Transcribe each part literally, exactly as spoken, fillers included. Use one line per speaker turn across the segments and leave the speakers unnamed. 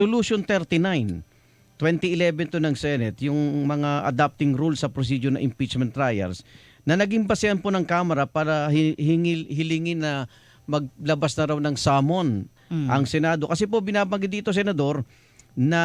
Resolution thirty-nine, twenty eleven to ng Senate, yung mga adopting rules sa procedure ng impeachment trials na naging basehan po ng Kamara para hi- hingil, hilingin na maglabas na raw ng summon ang
Mm.
Senado. Kasi po binabanggit dito, Senador, na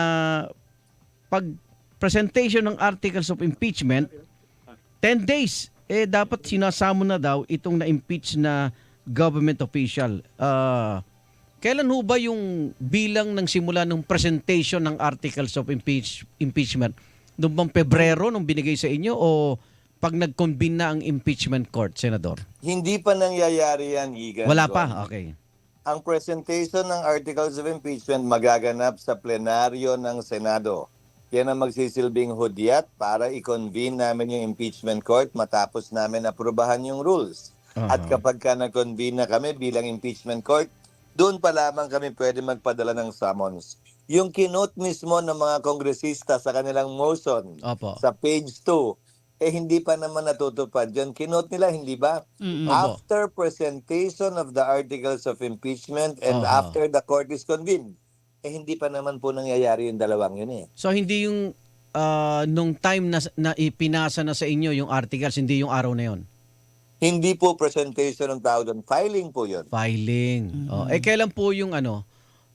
pag presentation ng articles of impeachment, ten days, eh dapat sinasamo na daw itong na-impeach na government official. Ah... Kailan ho ba yung bilang ng simula ng presentation ng articles of impeach, impeachment? Noong bang Pebrero nung binigay sa inyo o pag nag-convene na ang impeachment court, Senador?
Hindi pa nangyayari yan, Igan.
Wala
Gon.
pa? Okay.
Ang presentation ng articles of impeachment magaganap sa plenaryo ng Senado. Yan ang magsisilbing hudyat para i-convene namin yung impeachment court matapos namin aprubahan yung rules. At
Aha.
kapag ka nag-convene na kami bilang impeachment court, doon pa lamang kami pwede magpadala ng summons. Yung kinot mismo ng mga kongresista sa kanilang motion
Opo.
sa page two, eh hindi pa naman natutupad. Yung kinot nila, hindi ba?
Mm-mm.
Opo.
After presentation of the articles of impeachment and
Aha.
after the court is convened, eh hindi pa naman po nangyayari yung dalawang yun eh.
So hindi yung ah, nung time na, na ipinasa na sa inyo yung articles, hindi yung araw na yon?
Hindi po presentation ng tao doon. Filing po yun.
Filing. Oh, eh kailan po yung ano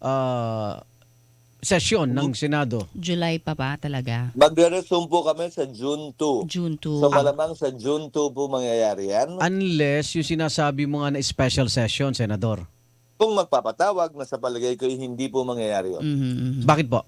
ah, sesyon ng Senado?
July pa ba talaga?
Magre-resume po kami sa June two.
June
So
two.
malamang sa June two po mangyayari yan.
Unless yung sinasabi mo nga na special session, Senador.
Kung magpapatawag, nasa palagay ko hindi po mangyayari yun.
Mhm, mhm.
Bakit po?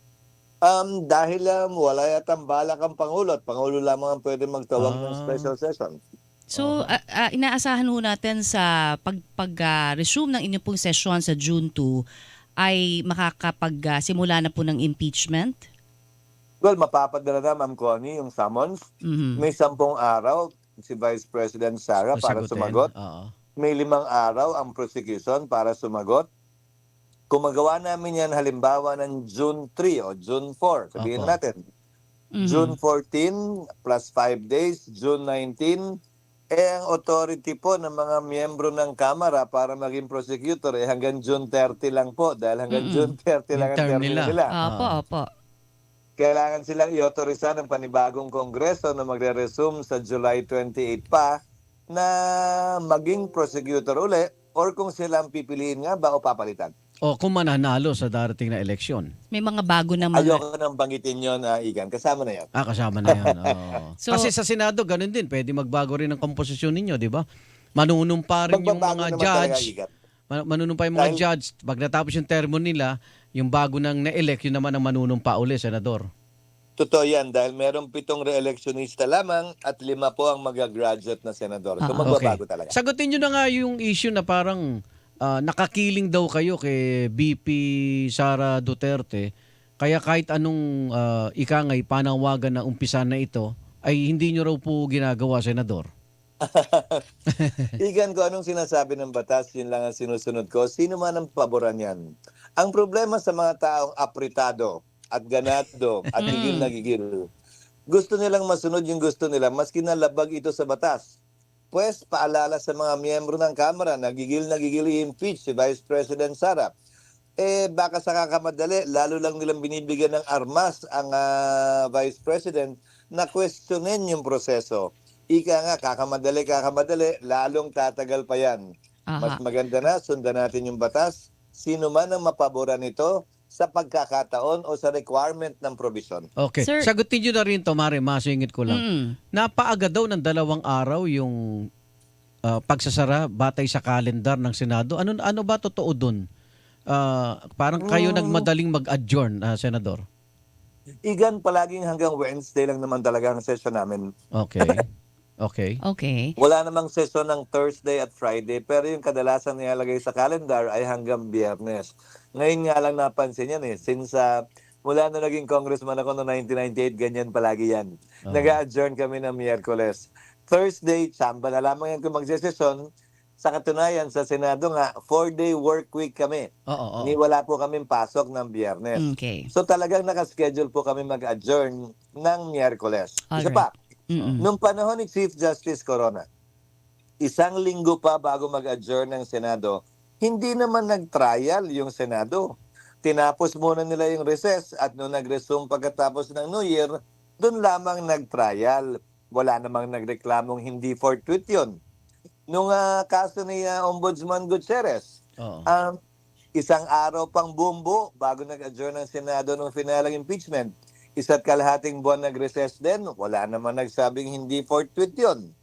Um, dahil um, wala yatang balak ang Pangulo at Pangulo lamang ang pwede magtawag ng
Ah.
special session.
So, ah, ah, inaasahan ho natin sa pag, pag ah, resume ng inyong pong session sa June two ay makakapag-simula na po ng impeachment?
Well, mapapadala na, Ma'am Connie, yung summons.
Mhm.
May sampung araw si Vice President Sara para
Sagutin.
sumagot.
Oo.
May limang araw ang prosecution para sumagot. Kung magawa namin yan halimbawa ng June three o June four, sabihin
Opo.
natin,
Mhm.
June fourteen plus five days, June nineteen, eh ang authority po ng mga miyembro ng Kamara para maging prosecutor eh hanggang June thirty lang po dahil hanggang
Mm-mm.
June thirty lang
Yung
ang
term
termino
nila.
nila.
Opo,
Ah.
opo.
Kailangan silang i-autoriza ng panibagong kongreso na magre-resume sa July twenty-eight pa na maging prosecutor uli or kung silang pipiliin nga ba o papalitan.
O kung mananalo sa darating na eleksyon.
May mga bago na mga...
Ayoko nang banggitin yun, uh, Igan. Kasama na yan.
Ah, kasama na yan. Oo.
So-
Kasi sa Senado, ganun din. Pwede magbago rin ang komposisyon ninyo, di ba? Manunumpa rin yung
Magbabago
mga
naman talaga,
judge.
Igan.
Ma- Manunumpa yung mga
Dahil-
judge. Pag natapos yung termo nila, yung bago nang na-elect, yun naman ang manunumpa uli, Senador.
Totoo yan dahil merong pitong re-electionista lamang at lima po ang mag-graduate na senador. So
Ah,
magbabago talaga.
Sagutin nyo na nga yung issue na parang ah, nakakiling daw kayo kay B P Sara Duterte. Kaya kahit anong uh, ikangay panawagan na umpisa na ito, ay hindi nyo raw po ginagawa, Senador.
Igan ko anong sinasabi ng batas, yun lang ang sinusunod ko. Sino man ang paboran yan. Ang problema sa mga taong apritado at ganado at higil na gigil, gusto nilang masunod yung gusto nila maski nalabag ito sa batas. Pues, paalala sa mga miyembro ng Kamara na gigil na gigil i-impeach si Vice President Sara. Eh, baka sa kakamadali, lalo lang nilang binibigyan ng armas ang ah, Vice President na questionin yung proseso. Ika nga, kakamadali, kakamadali, lalong tatagal pa yan. Mas
Aha.
maganda na, sundan natin yung batas. Sino man ang mapaboran nito sa pagkakataon o sa requirement ng provision.
Okay.
Sir-
Sagutin nyo na rin to, Mare. Masingit ko lang.
Mm.
Napaaga daw ng dalawang araw yung ah, pagsasara batay sa kalendar ng Senado. Ano ano ba totoo dun? Ah, parang kayo
Mm.
nagmadaling mag-adjourn, ah, Senador.
Igan, palaging hanggang Wednesday lang naman talaga ang session namin.
Okay. Okay.
Okay.
Wala namang session ng Thursday at Friday, pero yung kadalasan nilalagay sa calendar ay hanggang Biyernes. Ngayon nga lang napansin yan eh, since uh, mula na naging congressman ako noong nineteen ninety-eight, ganyan palagi yan.
Oh.
Nag-adjourn kami ng Miyerkules. Thursday, tsamba na lamang yan kung magsesesyon. Sa katunayan, sa Senado nga, four-day work week kami.
Oo, oo.
Ni wala po kaming pasok ng Biyernes.
Okay.
So talagang nakaschedule po kami mag-adjourn ng Miyerkules. Isa
Alright.
pa,
Mm-mm.
nung panahon ni Chief Justice Corona, isang linggo pa bago mag-adjourn ng Senado, hindi naman nag-trial yung Senado. tinapos muna nila yung recess at nung nag-resume pagkatapos ng New Year, doon lamang nag-trial. Wala namang nagreklamong hindi fortuit yun. Nung ah, kaso ni ah, Ombudsman Gutierrez,
Oo.
um, isang araw pang bumbu bago nag-adjourn ng Senado nung finalang impeachment, isa't kalahating buwan nag-recess din, wala naman nagsabing hindi fortuit yun.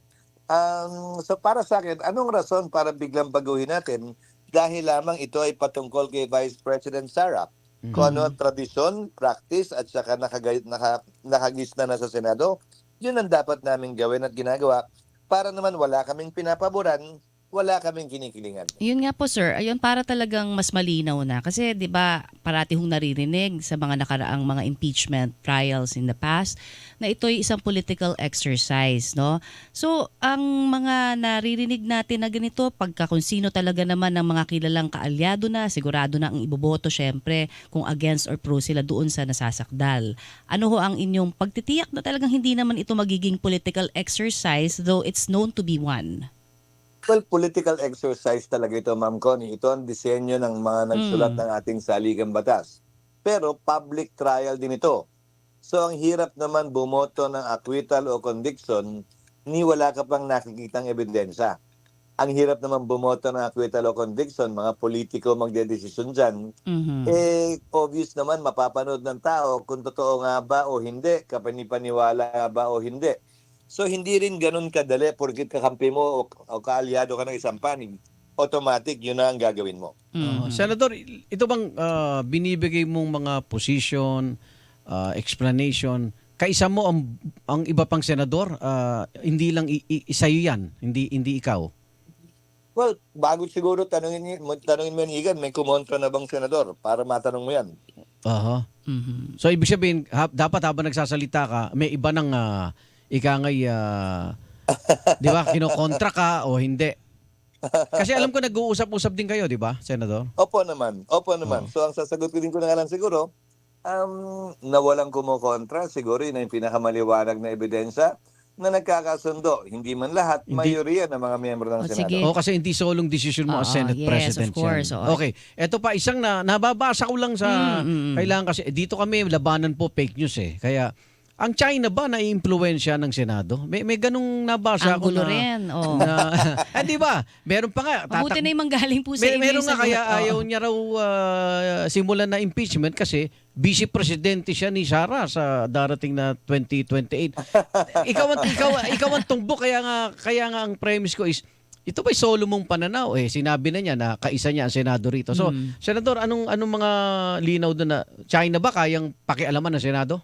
Um, so para sa akin, anong rason para biglang baguhin natin dahil lamang ito ay patungkol kay Vice President Sara? Kung ano ang tradisyon, practice at saka nakagay, naka, nakagista na sa Senado, yun ang dapat naming gawin at ginagawa para naman wala kaming pinapaboran, wala kaming kinikilingan.
Yun nga po sir, ayun para talagang mas malinaw na kasi 'di ba parati hong naririnig sa mga nakaraang mga impeachment trials in the past na ito ay isang political exercise, no? So, ang mga naririnig natin na ganito pagka kung sino talaga naman ng mga kilalang kaalyado na, sigurado na ang iboboto syempre kung against or pro sila doon sa nasasakdal. Ano ho ang inyong pagtitiyak na talagang hindi naman ito magiging political exercise though it's known to be one?
Well, political exercise talaga ito, Ma'am Connie. Ito ang disenyo ng mga nagsulat
Mm.
ng ating saligang batas. Pero public trial din ito. So ang hirap naman bumoto ng acquittal o conviction ni wala ka pang nakikitang ebidensya. Ang hirap naman bumoto ng acquittal o conviction, mga politiko magdedesisyon dyan,
Mhm.
eh obvious naman mapapanood ng tao kung totoo nga ba o hindi, kapanipaniwala nga ba o hindi. So hindi rin ganun kadali porkit kakampi mo o, o kaalyado ka ng isang panig, automatic yun na ang gagawin mo.
Oo.
Mhm.
Senador, ito bang ah, binibigay mong mga position, ah, explanation, kaisa mo ang, ang iba pang senador? Ah, hindi lang i- i- sa'yo yan, hindi, hindi ikaw.
Well, bago siguro tanungin, mo- tanungin mo yan, Igan, may kumontra na bang senador para matanong mo yan?
Aha.
Mhm.
So ibig sabihin, ha- dapat habang nagsasalita ka, may iba nang uh, ikangay, ah, di ba, kinokontra ka o hindi. Kasi alam ko nag-uusap-usap din kayo, di ba, Senador?
Opo naman, opo naman. So ang sasagot ko din ko na nga lang siguro, um, na walang kumukontra, siguro yun ang pinakamaliwanag na ebidensya na nagkakasundo. Hindi man lahat,
Hindi.
mayorya ng mga miyembro ng
O,
Senado.
sige.
O kasi hindi solong decision mo as
Oo,
Senate
yes,
President
of course,
yan.
oo.
Okay, eto pa isang na nababasa ko lang sa
Mm, mm, mm.
kailangan kasi eh, dito kami labanan po fake news eh. Kaya ang China ba naiimpluwensya ng Senado? May may ganung nabasa
Ang
ako
gulo
na
rin, oh.
na ah, di ba? Meron pa nga
Mabuti
tatak-
na yung manggaling po sa
Mer-
inyo
meron
yung
nga
sagot.
kaya
Oo.
ayaw niya raw ah, simulan na impeachment kasi vice presidente siya ni Sara sa darating na twenty twenty-eight. ikaw ang ikaw ikaw ang tumbok kaya nga kaya nga ang premise ko is ito ba'y solo mong pananaw eh sinabi na niya na kaisa niya ang senado rito. So,
Mm.
senador, anong anong mga linaw doon na China ba kayang pakialaman ng senado?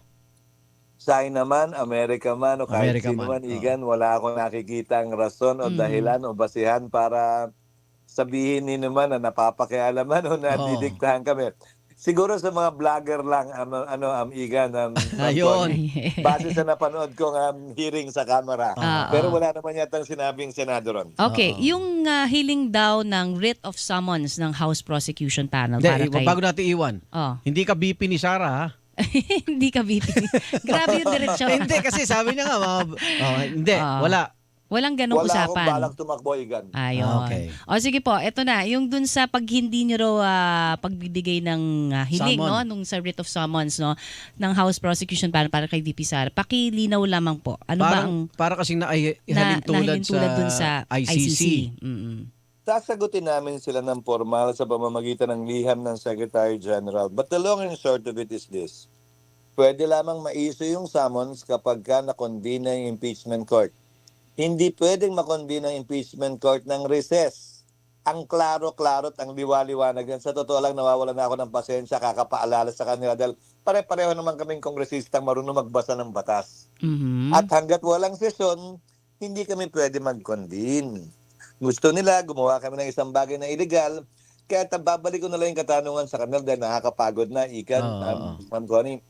China man, Amerika man, o kahit
Amerika
sino
man,
man,
oo.
Igan, wala akong nakikitang rason o
Mm.
dahilan o basihan para sabihin ni naman na napapakialaman o nadidiktahan kami. Siguro sa mga vlogger lang, ano, ano am Igan, um,
Ayun.
base sa napanood kong um, hearing sa camera.
Ah,
Pero
ah.
wala naman yatang sinabing senado ron.
Okay,
Oo.
yung ah, hiling daw ng writ of summons ng House Prosecution Panel
Hindi,
para
i-
kay...
bago natin iwan.
Oh.
Hindi ka B P ni Sara ha?
Hindi ka B P. Grabe yung diretsyo.
hindi kasi sabi niya nga mga, oh, hindi,
Ah.
wala.
Walang ganong
Wala akong
usapan.
balak tumakbo, Igan.
Ayun.
Ah, okay.
O sige po, eto na. Yung dun sa pag hindi nyo raw ah, pagbibigay ng ah, hiling,
Summon.
no? Nung sa writ of summons, no? Ng House Prosecution para, para kay V P Sara. Pakilinaw lamang po. Ano ba ang
Parang, para kasing na, ay,
na,
halin tulad
nahilin tulad
sa,
dun sa
I C C.
Mm-mm.
Sasagutin namin sila ng formal sa pamamagitan ng liham ng Secretary General. But the long and short of it is this. Pwede lamang ma-issue yung summons kapag ka na-convene na yung impeachment court. Hindi pwedeng ma-convene ang impeachment court ng recess. Ang klaro-klaro at ang liwa-liwanag yan. Sa totoo lang, nawawala na ako ng pasensya, kakapaalala sa kanila dahil pare-pareho naman kaming kongresistang marunong magbasa ng batas.
Mhm.
At hanggat walang sesyon, hindi kami pwede mag-convene. Gusto nila, gumawa kami ng isang bagay na illegal, kaya babalik ko na lang yung katanungan sa kanila dahil nakakapagod na, Ikan,
Oo,
um,
oo.
Ma'am Connie.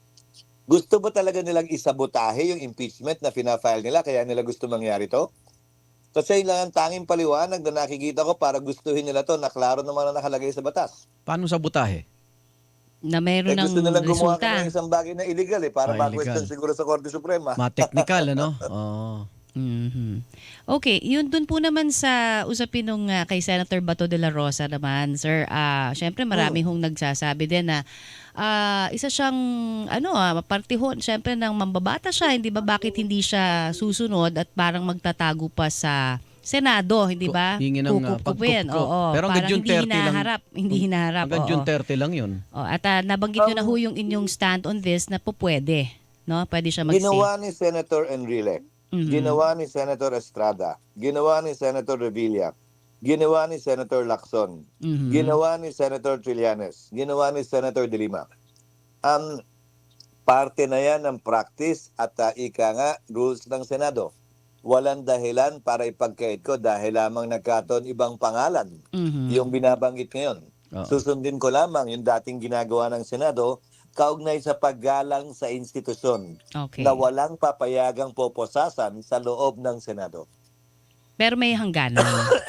Gusto ba talaga nilang isabotahe yung impeachment na fina-file nila kaya nila gusto mangyari to? Kasi yun lang ang tanging paliwanag na nakikita ko para gustuhin nila to na klaro naman na nakalagay sa batas.
Paano sabotahe?
Na meron
Eh,
ng
gusto nilang gumawa
resulta.
kami ng isang bagay na illegal eh para
Ah,
ma-question
illegal.
siguro sa Korte Suprema.
Ma-technical, ano? Oo.
Mhm. Okay, yun dun po naman sa usapin nung ah, kay Senator Bato de la Rosa naman, sir. Ah, syempre marami hong nagsasabi din na ah, isa siyang ano ah, partihon syempre ng mambabata siya, hindi ba bakit hindi siya susunod at parang magtatago pa sa Senado, hindi ba?
Hingi ng, ah,
Kukup-kupin,
pagkup-kup.
oo.
Pero hanggang
parang
June
hindi
thirty lang.
hinaharap, hindi hinaharap.
Hanggang
oo.
June thirty lang yun.
Oh, at ah, nabanggit nyo na ho yung inyong stand on this na po pwede, no? Pwede siya mag-say.
Ginawa ni Senator Enrile,
Mhm.
ginawa ni Senator Estrada, ginawa ni Senator Revilla, ginawa ni Senator Lacson,
Mhm.
ginawa ni Senator Trillanes, ginawa ni Senator De Lima. Um, parte na yan ng practice at uh, ika nga rules ng Senado. Walang dahilan para ipagkait ko dahil lamang nagkataon ibang pangalan
Mhm.
yung binabanggit ngayon.
Oo.
Susundin ko lamang yung dating ginagawa ng Senado kaugnay sa paggalang sa institusyon
Okay.
na walang papayagang poposasan sa loob ng Senado.
Pero may hangganan.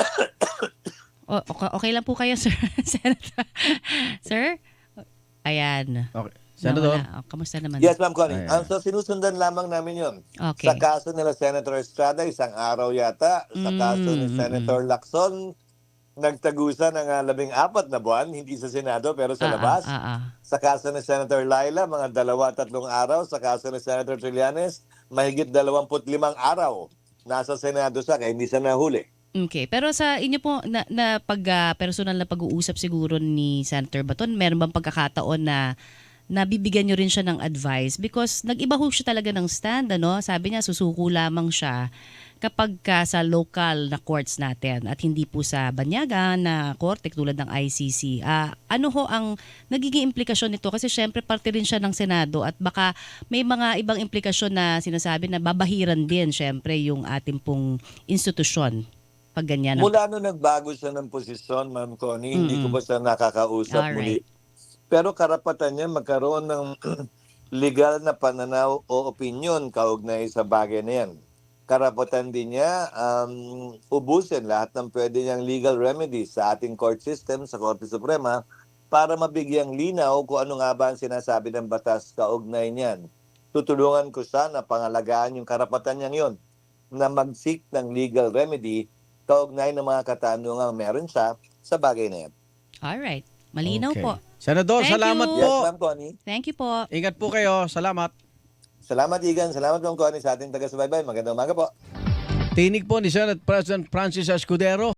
o, okay, okay lang po kayo, sir? Senator? Sir? Ayan.
Okay. Senador?
Nawala. O, kamusta naman?
Yes, Ma'am Connie.
Ayan.
Ang so, sinusundan lamang namin yun.
Okay.
Sa kaso nila Senator Estrada, isang araw yata. Sa kaso ni
Mm, mm,
Senator Lacson, nagtagusan ng ah, labing apat na buwan, hindi sa Senado pero
Ah,
sa labas.
ah, ah, ah.
Sa kaso ni Senator Laila, mga dalawa, tatlong araw. Sa kaso ni Senator Trillanes, mahigit dalawamput limang araw. Nasa Senado siya, kaya hindi siya nahuli.
Okay. Pero sa inyo po, na, na pag, ah, personal na pag-uusap siguro ni Senator Baton, meron bang pagkakataon na nabibigyan nyo rin siya ng advice? Because nag-iba ho siya talaga ng stand, ano? Sabi niya, susuko lamang siya kapag ka sa local na courts natin at hindi po sa banyaga na korte tulad ng I C C. Ah, ano ho ang nagiging implikasyon nito? Kasi syempre parte rin siya ng Senado at baka may mga ibang implikasyon na sinasabi na babahiran din syempre yung ating pong institusyon pag ganyan. ang-
Mula nung nagbago siya ng posisyon, Ma'am Connie, hindi ko
Mm-mm.
pa siya nakakausap muli.
Alright.
Pero karapatan niya magkaroon ng legal na pananaw o opinion kaugnay sa bagay na yan. Karapatan din niya um, ubusin lahat ng pwede niyang legal remedies sa ating court system, sa Korte Suprema, para mabigyang linaw kung ano nga ba ang sinasabi ng batas kaugnay niyan. Tutulungan ko siya na pangalagaan yung karapatan niyang yon na mag-seek ng legal remedy kaugnay ng mga katanungang meron siya sa bagay na yan.
Alright. Malinaw
Okay.
po.
Senador,
Thank
salamat
you.
po.
Yes, Ma'am Connie.
Thank you po.
Ingat po kayo. Salamat.
Salamat, Igan. Salamat, Ma'am Connie, sa ating taga-subaybay. Magandang umaga po.
Tinig po ni Senate President Francis Escudero.